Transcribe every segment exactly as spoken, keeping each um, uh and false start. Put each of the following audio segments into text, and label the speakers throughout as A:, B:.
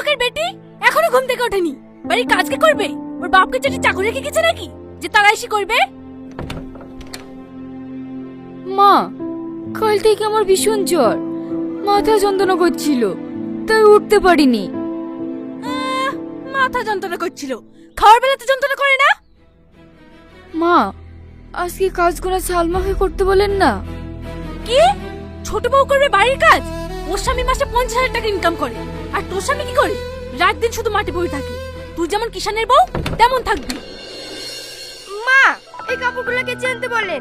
A: লোকের বেটি এখনো ঘুম থেকে ওঠেনি, বাড়ির কাজ কে করবে? ওর বাপকে যেটি চাকরি রেখে গেছে নাকি যে তারা এসে করবে?
B: মা, কাল থেকে আমার ভীষণ জ্বর, মাথা যন্ত্রণা করছিল, তাই উঠতে পারিনি।
A: আহ, মাথা যন্ত্রণা করছিল, খাওয়ার বেলাতে যন্ত্রণা করে না?
B: মা, আজকে কাজগুলো সালমাকে করতে বলেন না।
A: কি? ছোট বউ করবে বাড়ির কাজ? ওর স্বামী মাসে পঞ্চাশ হাজার টাকা ইনকাম করে, আর তোর স্বামী কি করে? রাত দিন শুধু মাঠে বসে থাকে। তুই যেমন কিষানের বউ তেমন থাকবি।
C: মা, এই কাপড়গুলো কেচে আনতে বলেন।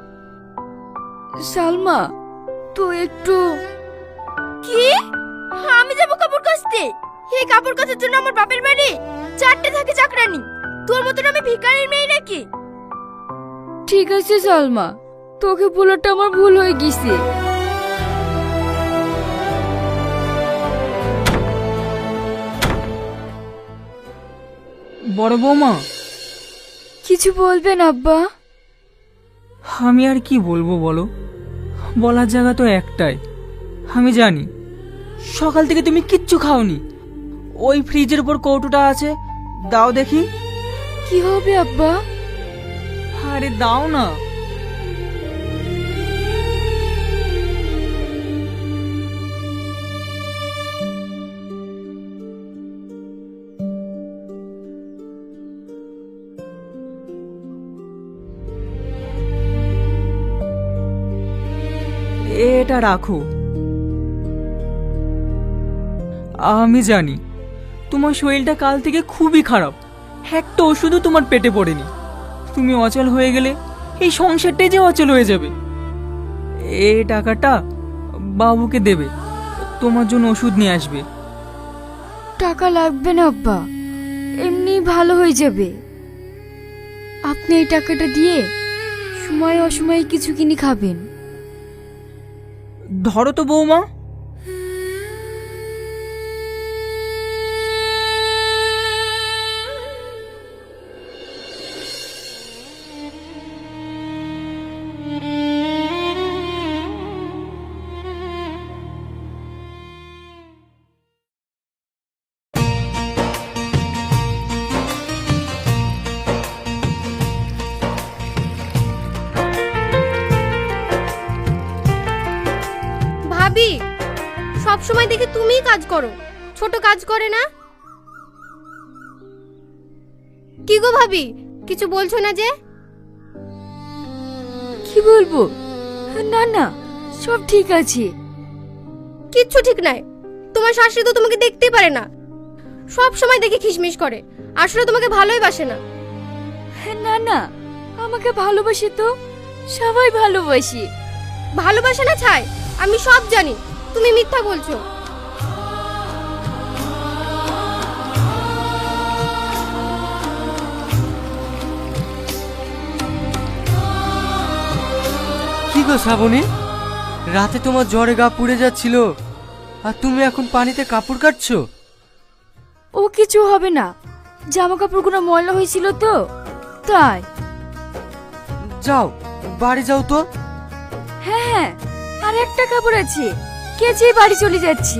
B: সালমা, তো একটু।
C: কি? আমি যাবো কাপড় কাচতে? এই কাপড় কাচার জন্য আমার বাপের বাড়ি চারটে থাকে চাকরানি। তোর মতন আমি ভিখারির মেয়ে নাকি?
B: ঠিক আছে সালমা, তোকে বলাটা আমার ভুল হয়ে গেছে।
D: বড় বৌমা,
B: কিছু বলবেন আব্বা?
D: আমি আর কি বলবো বলো, বলার জায়গা তো একটাই। আমি জানি সকাল থেকে তুমি কিচ্ছু খাওনি। ওই ফ্রিজের উপর কৌটোটা আছে, দাও দেখি।
B: কি হবে আব্বা?
D: আরে দাও না। এটা রাখো। আমি জানি তোমার শরীরটা কাল থেকে খুবই খারাপ, একটা ওষুধও তোমার পেটে পড়েনি। তুমি অচল হয়ে গেলে এই সংসারটাই যে অচল হয়ে যাবে। এই টাকাটা বাবুকে দেবে, তোমার জন্য ওষুধ নিয়ে আসবে।
B: টাকা লাগবে না আব্বা, এমনি ভালো হয়ে যাবে। আপনি এই টাকাটা দিয়ে সময় অসময়ে কিছু কিনে খাবেন।
D: ধরো তো বৌমা।
C: ভাবি, সব সময় দেখি তুমিই কাজ করো, ছোট কাজ করে না। কি গো ভাবি, কিছু বলছো না যে?
B: কি বলবো? না না, সব ঠিক আছে।
C: কিচ্ছু ঠিক নাই। তোমার শাশুড়ি তো তোমাকে দেখতেই পারে না, সব সময় দেখি খিসমিস করে, আসলে তোমাকে ভালোই বাসে না।
B: না না, আমাকে ভালোবাসে তো, সবাই ভালোবাসে।
C: ভালোবাসে না ছাই, আমি সব জানি, তুমি মিথ্যা বলছো।
E: কি গো শ্রাবণী, রাতে তোমার জ্বরে গা পুড়ে যাচ্ছিল, আর তুমি এখন পানিতে কাপড় কাটছো?
B: ও কিছু হবে না, জামা কাপড়গুলো ময়লা হয়েছিল তো তাই।
E: যাও বাড়ি যাও তো।
B: হ্যাঁ হ্যাঁ, আর একটা কাপড় আছে, কেচে বাড়ি চলে যাচ্ছি।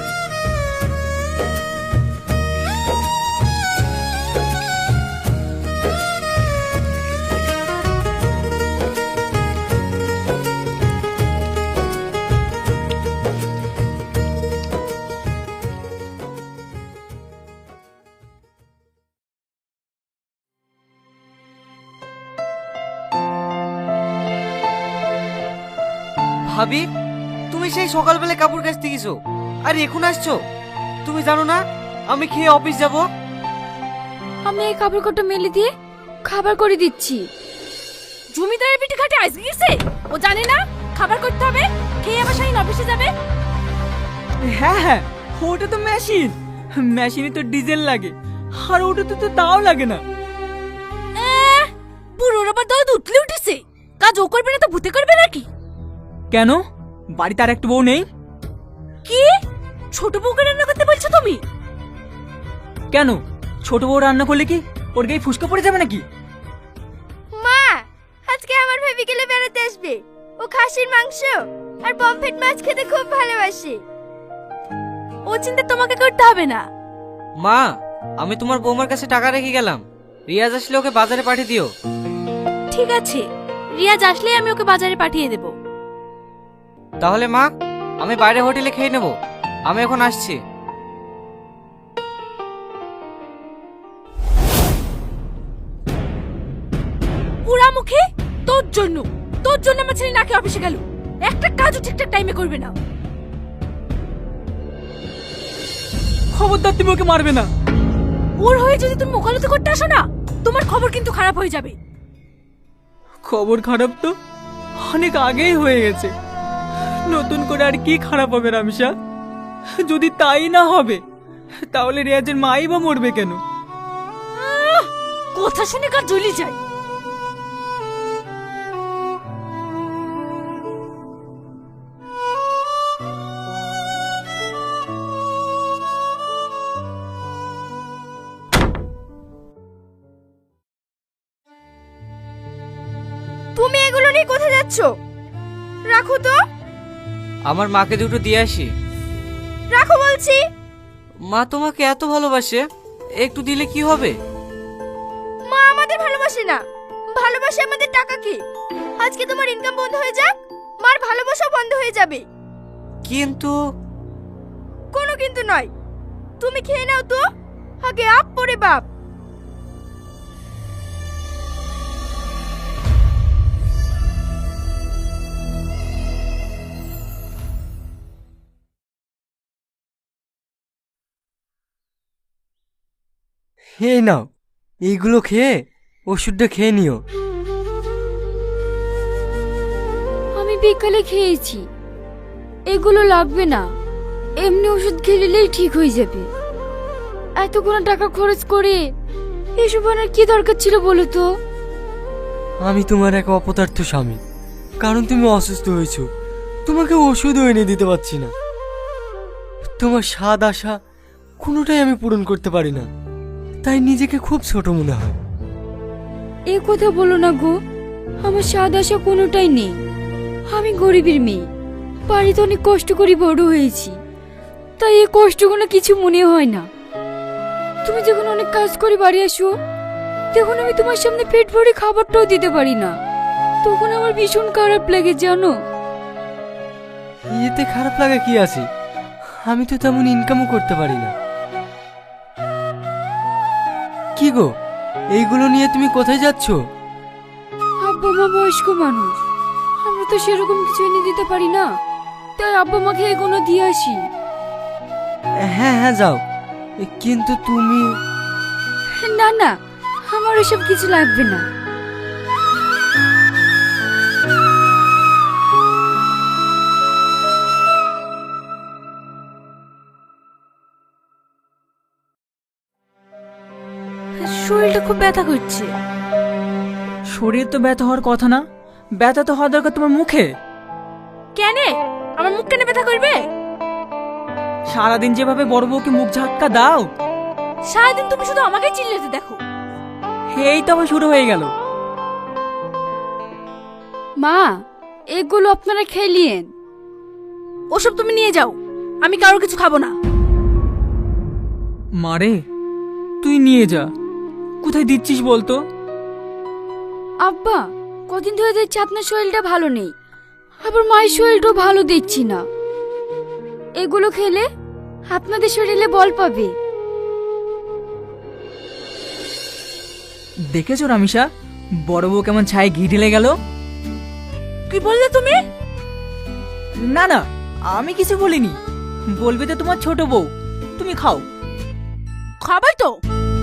E: ভাবি, তুমি সেই সকালবেলা কাপড় কাচতে গেছো, আর এখন আসছো? তুমি জানো না আমি খেয়ে অফিস যাব?
B: আমি এই কাপড় কটা মেলে দিয়ে খাবার করে দিচ্ছি।
A: জমিদারের পিঠে খাটে আইস গেছে, ও জানে না খাবার করতে হবে, খেয়ে আবার শাহিন অফিসে যাবে।
D: হ্যাঁ হ্যাঁ, ওটা তো মেশিন, মেশিনে তো ডিজেল লাগে, আর ওটাতে তো তাও লাগে না।
A: আহ, বুড়োর আবার দৌদ উঠলে উঠেছে, কাজ ও করবে না তো ভূতে করবে নাকি?
D: কেন, বাড়িতে আর একটু বউ নেই?
A: কি? ছোট বউকে রান্না করতে বলছো তুমি?
D: কেন, ছোট বউ রান্না করলে কি ওর গায়ে ফুসকা পড়ে যাবে নাকি?
C: মা, আজকে আমার ভাবি গেলে বেড়াতে আসবে, ও খাসির মাংস আর পমফ্রেট মাছ খেতে খুব ভালোবাসে।
A: ও চিন্তা তোমাকে করতে হবে না,
E: মা, আমি তোমার বৌমার কাছে টাকা রেখে গেলাম। রিয়াজ আসলে ওকে বাজারে পাঠিয়ে দিও।
A: ঠিক আছে, রিয়াজ আসলেই আমি ওকে বাজারে পাঠিয়ে দেব।
E: তাহলে মা, আমি বাইরে হোটেলে খেয়ে নেব। আমি এখন আসছি।
A: পুরামুখী, তোর জন্য তোর জন্য আমার ছেলে নাকি অফিসে গেল, একটা কাজও ঠিকঠাক টাইমে করবে না।
D: খবরদার, তুমি ওকে মারবে না।
A: ওর হয়ে যদি তুমি মোকালতি করতে আসো না, তোমার খবর কিন্তু খারাপ হয়ে যাবে।
D: খবর খারাপ তো অনেক আগেই হয়ে গেছে, নতুন করে আর কি খারাপ হবে রামিসা? যদি তাই না হবে তাহলে রিয়াজের মাই বা মরবে কেন?
A: আহ, কথা শুনে কার জ্বলি যায়।
C: তুমি এগুলো নিয়ে কোথায় যাচ্ছ? রাখো তো।
E: আমার মাকে দুটো দিয়ে আসি।
C: রাখো বলছি।
E: মা তোমাকে এত ভালোবাসে, একটু দিলে কি হবে?
C: মা আমাদের ভালোবাসে না, ভালোবাসে আমাদের টাকাকে। আজকে তোমার ইনকাম বন্ধ হয়ে যাক, মার ভালোবাসা বন্ধ হয়ে যাবে।
E: কিন্তু
C: কোনো কিন্তু নয়, তুমি খেয়ে নাও তো, আগে আপ পরে বাপ।
F: হে নাও, এইগুলো খেয়ে ওষুধটা খেয়ে নিও।
B: আমি বিকালে খেয়েছি, এগুলো লাগবে না। এমনি ওষুধ খেলিলেই ঠিক হয়ে যাবে। এতগুলো টাকা খরচ করে এসব আনার কি দরকার ছিল বলো তো?
F: আমি তোমার এক অপদার্থ স্বামী, কারণ তুমি অসুস্থ হয়েছো। তোমাকে ওষুধও এনে দিতে পারছি না। তোমার স্বাদ আশা কোনোটাই আমি পূরণ করতে পারি না, তাই নিজেকে খুব ছোট মনে হয়।
B: এ কথা বলো না গো, আমার স্বাদ আশা কোনোটাই নেই। আমি গরিবের মেয়ে, বাড়িতে অনেক কষ্ট করে বড় হয়েছি, তাই এই কষ্টগুলো কিছু মনে হয় না। তুমি যখন অনেক কাজ করে বাড়ি আসো, তখন আমি তোমার সামনে পেট ভরে খাবারটাও দিতে পারি না, তখন আমার ভীষণ খারাপ লাগে জানো।
F: এতে খারাপ লাগা কি আছে? আমি তো তেমন ইনকামও করতে পারি না। কি গো, এইগুলো নিয়ে তুমি কোথায় যাচ্ছ?
B: আব্বা মা বয়স্ক মানুষ, আমরা তো সেরকম কিছু এনে দিতে পারি না, তাই আব্বা মাকে এগুলো দিয়ে আসি।
F: হ্যাঁ হ্যাঁ যাও, কিন্তু তুমি
B: না না, আমার এসব কিছু লাগবে না।
A: শরীরটা খুব ব্যথা করছে।
D: শরীর তো ব্যথা হওয়ার কথা না, ব্যথা তো হওয়া দরকার তোমার মুখে।
A: কেন আমার মুখ কেন ব্যথা করবে?
D: সারাদিন যেভাবে বড় বউকে মুখ ঝাক্কা দাও,
A: সারাদিন তুমি শুধু আমাকেই চিল্লাতে দেখো।
D: এই তো আবার শুরু হয়ে গেল।
B: মা, এগুলো আপনারা খেলিয়েন।
A: ওসব তুমি নিয়ে যাও, আমি কারোর কিছু খাবো না।
D: মারে, তুই নিয়ে যা। কোথায় দিচ্ছিস বলতো?
B: আব্বা, কদিন ধরে দেখছি আপনার শরীরটা ভালো নেই, আবার মায়ের শরীরটাও ভালো দেখছি না। এগুলো খেলে আপনাদের শরীরে বল পাবে।
D: দেখেছো রামিসা, বড় বউ কেমন ছায় ঘি ঢেলে গেল?
A: কি বললে তুমি?
D: না না, আমি কিছু বলিনি। বলবে তো তোমার ছোট বউ। তুমি খাও।
A: খাবার তো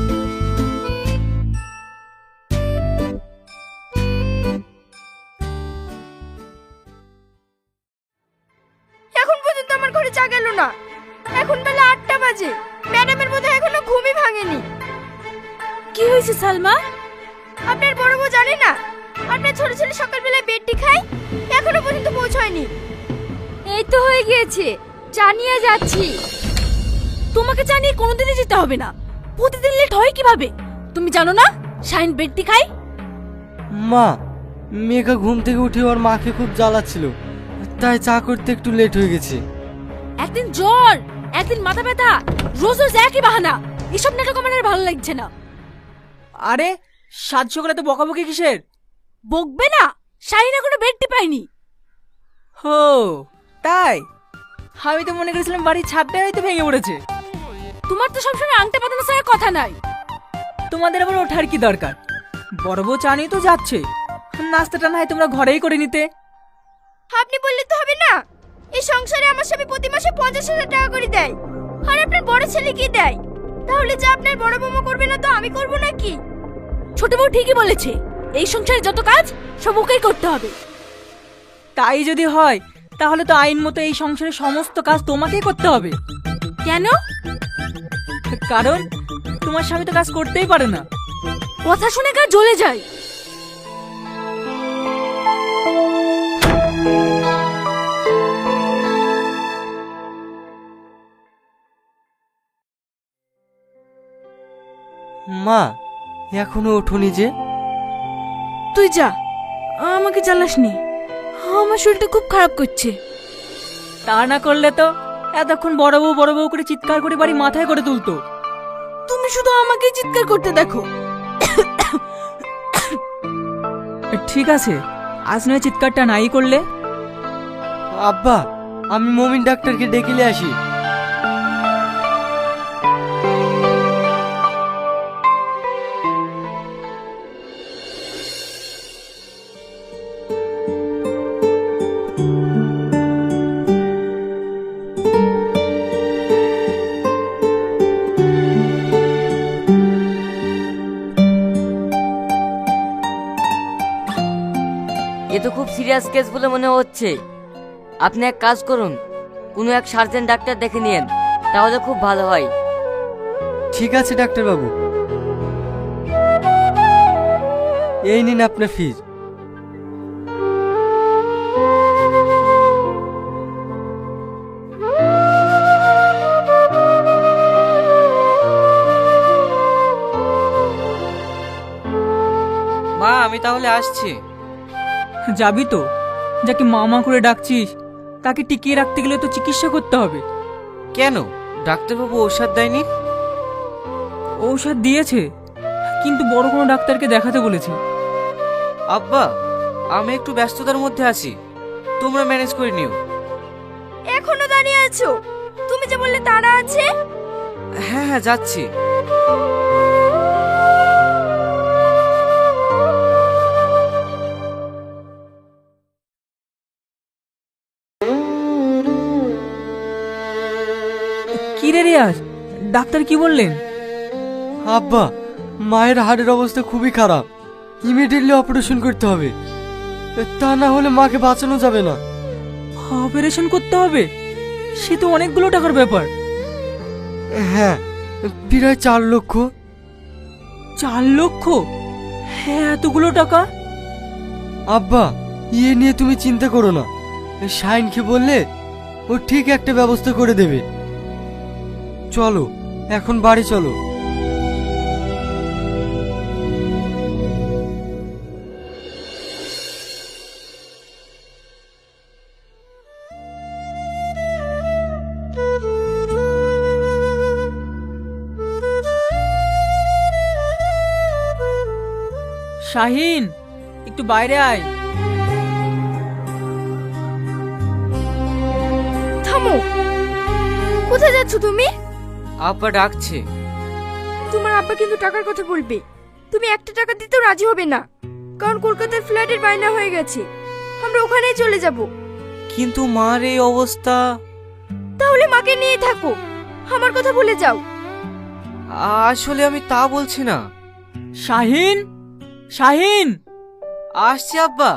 C: এখন পর্যন্ত আমার ঘরে চা গেল না। এখন বেলা আটটা বাজে, ম্যাডামের বোধহয় এখনো ঘুমই ভাঙেনি।
A: কি হয়েছে সালমা?
C: আপনার বড় বউ জানে না আপনার ছোট ছেলে সকালবেলায় বেডটি খায়, এখনো পর্যন্ত পৌঁছায়নি।
B: এই তো হয়ে গিয়েছে, জানিয়ে যাচ্ছি।
A: তোমাকে জানিয়ে কোনোদিনই যেতে হবে না। প্রতিদিন লেট হয় কিভাবে? তুমি জানো না শাইন বেডটি খাই?
F: মা, মেঘা ঘুম থেকে উঠে ওর মাকে খুব জ্বালাচ্ছিল, তাই চা করতে একটু লেট হয়ে গেছে।
A: একদিন জ্বর, একদিন মাথা ব্যথা, রোজ রোজ একই বাহানা। এসব নাটক আমার আর ভালো লাগছে না।
D: আরে সাত সকালে তো বকাবকি কিসের?
A: বকবে না, শাহিন এখনো বেডটি পাইনি।
D: হো তাই? আমি তো মনে করেছিলাম বাড়ির ছাদটাই হয়তো ভেঙে পড়েছে।
A: তোমার তো সবসময় আংটা পাতানো ছাড়া কথা নাই।
D: তোমাদের আবার ওঠার কি দরকার? বড় বউ চা নিয়ে তো যাচ্ছে, নাস্তাটা না হয় তোমরা ঘরেই করে নিতে।
C: আপনি বললে তো হবে না, এই সংসারে আমার স্বামী প্রতি মাসে পঞ্চাশ হাজার টাকা করে দেয়, আর আপনার বড় ছেলে কি দেয়? তাহলে যা আপনার বড় বৌমা করবে না তো আমি করব নাকি?
A: ছোট বউ ঠিকই বলেছে, এই সংসারে যত কাজ সব ওকেই করতে হবে।
D: তাই যদি হয় তাহলে তো আইন মতো এই সংসারের সমস্ত কাজ তোমাকেই করতে হবে।
A: কেন?
D: কারণ তোমার স্বামী তো কাজ করতেই পারে না।
A: কথা শুনে গা জ্বলে যায়।
F: মা এখনো ওঠোনি যে?
A: তুই যা, আমাকে জ্বালাসনি, আমার শরীরটা খুব খারাপ করছে।
D: তা না করলে তো এতক্ষণ বড় বউ বড় বউ করে চিৎকার করে বাড়ি মাথায় করে তুলতো।
A: তুমি শুধু আমাকেই চিৎকার করতে দেখো।
D: ঠিক আছে, আজ নয় চিৎকারটা নাই করলে।
F: আব্বা আমি মমিন ডাক্তারকে ডেকে নিয়ে আসি।
G: এ তো খুব সিরিয়াস কেস বলে মনে হচ্ছে। আপনি এক কাজ করুন, কোনো এক সার্জেন ডাক্তার দেখে নিন, তাহলে খুব ভালো হয়।
F: ঠিক আছে ডাক্তারবাবু, এই নিন আপনার ফিজ।
E: মা আমি তাহলে আসছি।
D: যাবি তো? যাকে মামা করে ডাকছিস তাকে টিকিয়ে রাখতে গেলে তো চিকিৎসা করতে হবে।
E: কেন, ডাক্তারবাবু ঔষধ দেয়নি?
D: ঔষধ দিয়েছে, কিন্তু বড় কোনো ডাক্তারকে দেখাতে বলেছে।
E: আব্বা আমি একটু ব্যস্ততার মধ্যে আছি, তোমরা ম্যানেজ করে নিও।
C: এখনো দাঁড়িয়ে আছো? তুমি যে বললে তাড়া আছে।
E: হ্যাঁ হ্যাঁ যাচ্ছি।
D: কি রে রিয়াজ, ডাক্তার কি বললেন?
F: আব্বা মায়ের হাড়ের অবস্থা খুবই খারাপ, ইমিডিয়েটলি অপারেশন করতে হবে, তা না হলে মাকে বাঁচানো যাবে না।
D: অপারেশন করতে হবে? সে তো অনেকগুলো টাকার ব্যাপার।
F: হ্যাঁ প্রায় চার লক্ষ।
D: চার লক্ষ? হ্যাঁ এতগুলো টাকা?
F: আব্বা ইয়ে নিয়ে তুমি চিন্তা করো না, শাইনকে বললে ও ঠিক একটা ব্যবস্থা করে দেবে। চলো এখন বাড়ি চলো।
D: শাহিন একটু বাইরে আয়।
C: থামো, কোথায় যাচ্ছ তুমি?
E: আব্বা ডাকছে।
C: তোমার আব্বা কিন্তু টাকার কথা বলবে, তুমি একটা টাকা দিতেও রাজি হবে না, কারণ কলকাতার ফ্ল্যাটের বায়না হয়ে গেছে, আমরা ওখানেই চলে যাব।
E: কিন্তু মার এই অবস্থা।
C: তাহলে মাকে নিয়ে থাকো, আমার কথা ভুলে যাও।
E: আসলে আমি তা বলছি না।
D: শাহিন, শাহিন
E: আসছি আব্বা।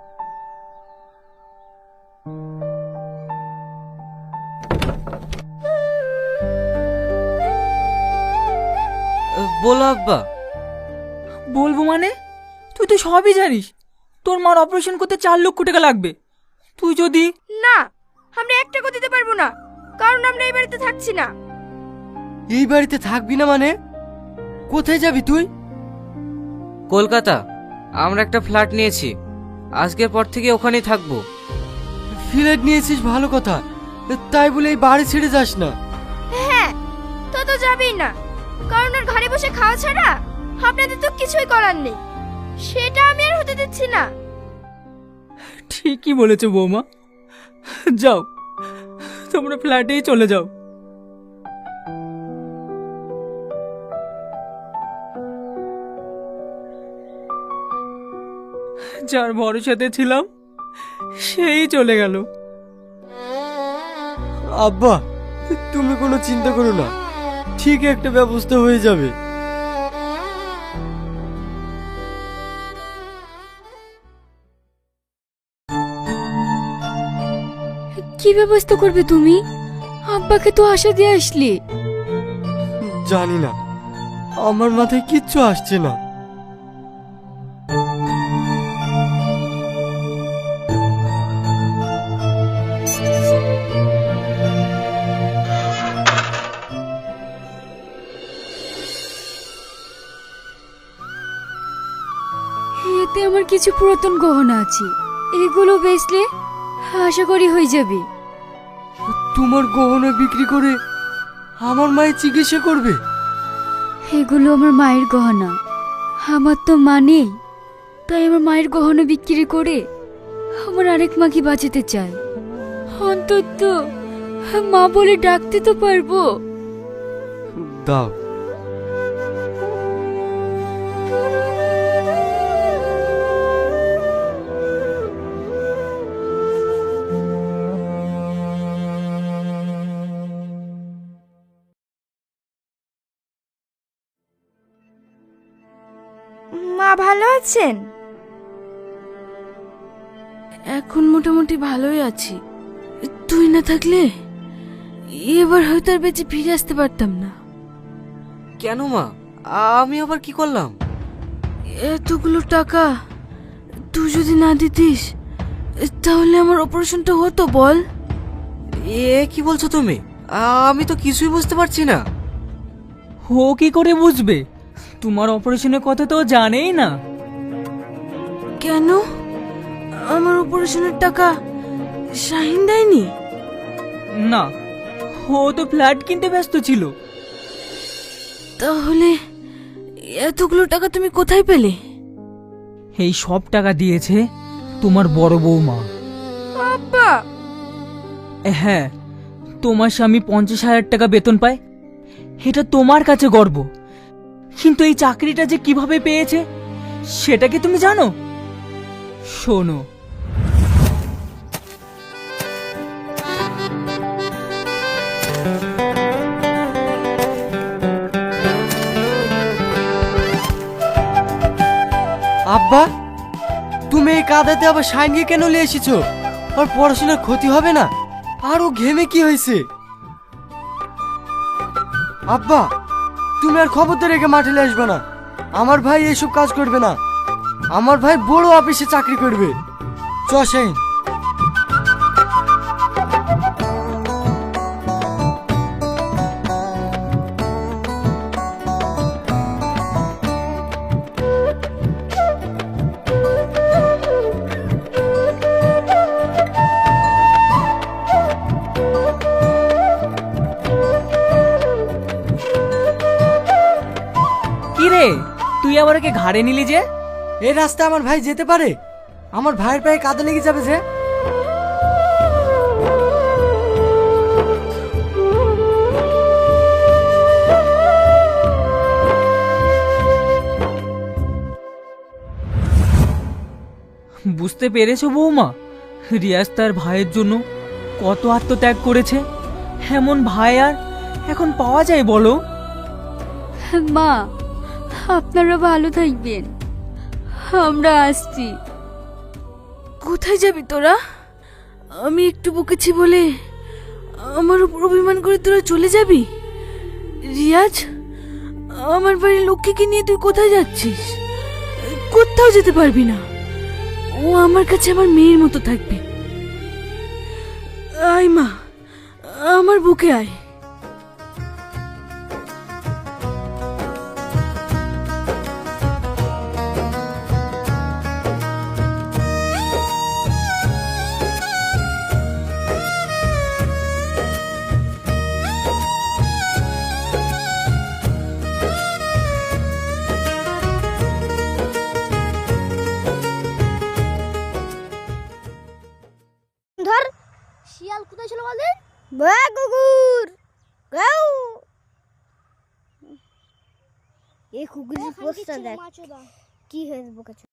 E: বলো আব্বা।
D: বলবো মানে? তুই তো সবই জানিস, তোর মার অপারেশন করতে চার লক্ষ টাকা লাগবে। তুই যদি
C: না, আমরা এক টাকা দিতে পারবো না, কারণ আমরা এই বাড়িতে থাকছি না।
F: এই বাড়িতে থাকবি না মানে? কোথায় যাবি তুই?
E: কলকাতা, আমরা একটা ফ্ল্যাট নিয়েছি, আজকের পর থেকে ওখানেই থাকবো।
F: ফ্ল্যাট নিয়েছিস ভালো কথা, তাই বলে এই বাড়ি ছেড়ে যাস না।
C: হ্যাঁ, তো তো যাবেই না, কারণ ওর ঘরে বসে খাওয়া ছাড়া আপনাদের তো কিছুই করার নেই। সেটা আমি আর হতে দিচ্ছি না।
D: ঠিকই বলেছো বৌমা, যাও তোমরা ফ্ল্যাটেই চলে যাও। যার ভরসাতে ছিলাম সেই চলে গেল।
F: আব্বা, তুমি কোনো চিন্তা করো না, ঠিক একটা ব্যবস্থা হয়ে যাবে।
B: কি ব্যবস্থা করবে তুমি? আব্বাকে তো আশা দিয়ে আসলে।
F: জানি না, আমার মাথায় কিচ্ছু আসছে না।
B: এতে আমার কিছু পুরাতন গহনা আছে, এগুলো বেচলে আশা করি হয়ে যাবে।
F: তোমার গহনা বিক্রি করে আমার মায়ের চিকিৎসা করবে?
B: এগুলো আমার মায়ের গহনা, আমার তো মা নেই, তাই আমার মায়ের গহনা বিক্রি করে আমার আরেক মাকে বাঁচাতে চাই। অন্তত মা বলে ডাকতে তো পারবো।
F: দাও।
C: মা ভালো আছেন?
A: এখন মোটামুটি ভালোই আছি। তুই না থাকলে এবার হয়তো আর বেঁচে ফিরে আসতে পারতাম না।
E: কেন মা, আমি আবার কি করলাম?
A: এতগুলো টাকা তুই যদি না দিতিস তাহলে আমার অপারেশনটা হতো বল।
E: এ কি বলছো তুমি? আমি তো কিছুই বুঝতে পারছি না।
D: ও কি করে বুঝবে? তোমার অপারেশনের কথা তো ও জানেই না।
A: কেন? আমার অপারেশনের টাকা শাহিন দেয়নি?
D: না, ও তো ফ্ল্যাট কিনতে ব্যস্ত ছিল।
A: তাহলে এতগুলো টাকা তুমি কোথায় পেলে?
D: এই সব টাকা দিয়েছে তোমার বড় বৌমা।
C: আব্বা,
D: হ্যাঁ, তোমার স্বামী পঞ্চাশ হাজার টাকা বেতন পায়, এটা তোমার কাছে গর্ব। কিন্তু এই চাকরিটা যে কিভাবে পেয়েছে সেটা কি তুমি জানো? শোনো,
F: আব্বা, তুমি এই কাদাতে আবার শাইনকে কেন নিয়ে এসেছো? আর পড়াশোনার ক্ষতি হবে না? আর ও ঘেমে কি হয়েছে? আব্বা, তুমি আর খবরদার রেখে মাঠে আসবে না। আমার ভাই এসব কাজ করবে না। আমার ভাই বড় অফিসে চাকরি করবে। চ শাইন।
D: কি রে, তুই আবার ওকে ঘাড়ে নিলি যে?
F: এই রাস্তায় আমার ভাই যেতে পারে? আমার ভাইয়ের পায়ে কাদা লেগে যাবে যে।
D: বুঝতে পেরেছো বৌমা, রিয়াজ তার ভাইয়ের জন্য কত আত্মত্যাগ করেছে? এমন ভাই আর এখন পাওয়া যায় বলো?
B: মা, আপনারা ভালো থাকবেন, আমরা আসছি।
A: কোথায় যাবি তোরা? আমি একটু বকেছি বলে আমার উপর অভিমান করে তোরা চলে যাবি? রিয়াজ, আমার বাড়ির লক্ষ্মীকে নিয়ে তুই কোথায় যাচ্ছিস? কোথাও যেতে পারবি না, ও আমার কাছে আমার মেয়ের মতো থাকবে। আয় মা, আমার বুকে আয়।
C: শিয়াল কোথায় ছিল বলেন? বা কুকুর গাও এই কুকুরের পোস্টটা দেখ কি হয়েছে বোকা